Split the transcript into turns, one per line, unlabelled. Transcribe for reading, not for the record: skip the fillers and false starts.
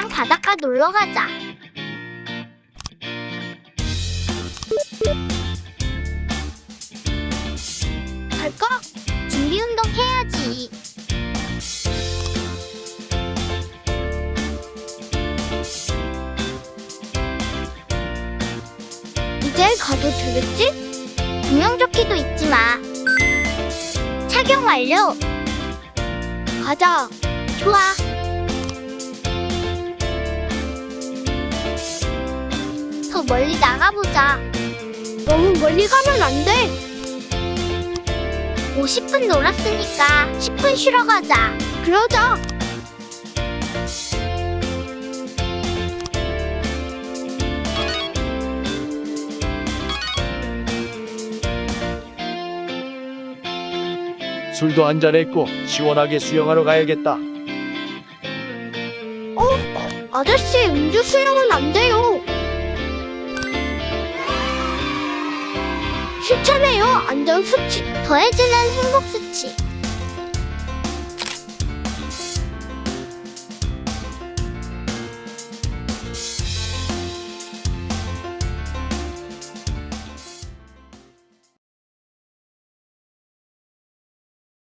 나랑 바닷가 놀러 가자. 갈까? 준비 운동 해야지. 이제 가도 되겠지? 구명조끼도 잊지 마. 착용 완료. 가자. 좋아. 더 멀리 나가보자. 너무 멀리 가면 안 돼. 50분 놀았으니까 10분 쉬러 가자. 그러자.
술도 한잔했고 시원하게 수영하러 가야겠다.
아저씨, 음주 수영은 안 돼요. 실천해요. 안전수칙. 더해지는 행복수칙.